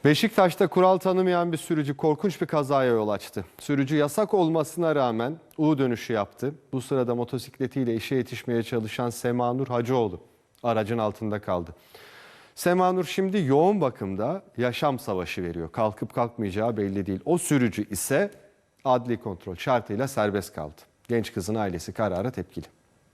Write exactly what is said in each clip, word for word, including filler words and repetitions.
Beşiktaş'ta kural tanımayan bir sürücü korkunç bir kazaya yol açtı. Sürücü yasak olmasına rağmen U dönüşü yaptı. Bu sırada motosikletiyle işe yetişmeye çalışan Semanur Hacıoğlu aracın altında kaldı. Semanur şimdi yoğun bakımda, yaşam savaşı veriyor. Kalkıp kalkmayacağı belli değil. O sürücü ise adli kontrol şartıyla serbest kaldı. Genç kızın ailesi karara tepkili.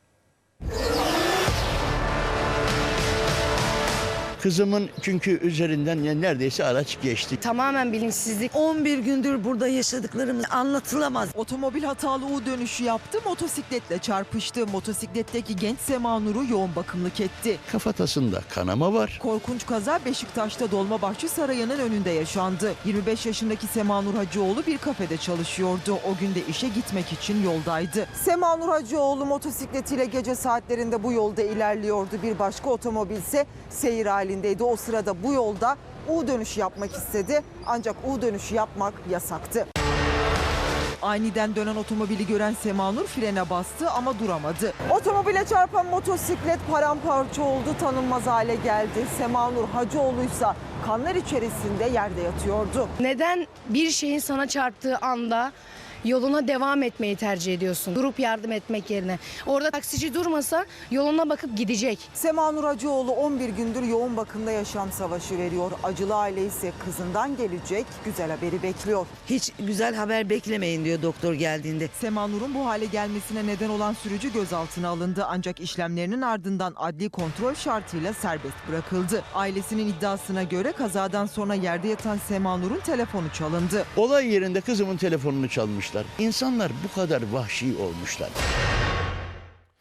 Kızımın çünkü üzerinden yani neredeyse araç geçti. Tamamen bilinçsizlik. on bir gündür burada yaşadıklarımız anlatılamaz. Otomobil hatalı U dönüşü yaptı, motosikletle çarpıştı. Motosikletteki genç Semanur'u yoğun bakımlık etti. Kafatasında kanama var. Korkunç kaza Beşiktaş'ta Dolmabahçe Sarayı'nın önünde yaşandı. yirmi beş yaşındaki Semanur Hacıoğlu bir kafede çalışıyordu. O gün de işe gitmek için yoldaydı. Semanur Hacıoğlu motosikletiyle gece saatlerinde bu yolda ilerliyordu. Bir başka otomobil ise seyir halindeydi. O sırada bu yolda U dönüşü yapmak istedi. Ancak U dönüşü yapmak yasaktı. Aniden dönen otomobili gören Semanur frene bastı ama duramadı. Otomobile çarpan motosiklet paramparça oldu, tanınmaz hale geldi. Semanur Hacıoğlu ise kanlar içerisinde yerde yatıyordu. Neden bir şeyin sana çarptığı anda yoluna devam etmeyi tercih ediyorsun? Durup yardım etmek yerine. Orada taksici durmasa yoluna bakıp gidecek. Semanur Hacıoğlu on bir gündür yoğun bakımda yaşam savaşı veriyor. Acılı aile ise kızından gelecek güzel haberi bekliyor. Hiç güzel haber beklemeyin diyor doktor geldiğinde. Semanur'un bu hale gelmesine neden olan sürücü gözaltına alındı. Ancak işlemlerinin ardından adli kontrol şartıyla serbest bırakıldı. Ailesinin iddiasına göre kazadan sonra yerde yatan Semanur'un telefonu çalındı. Olay yerinde kızımın telefonunu çalmışlar. İnsanlar bu kadar vahşi olmuşlar.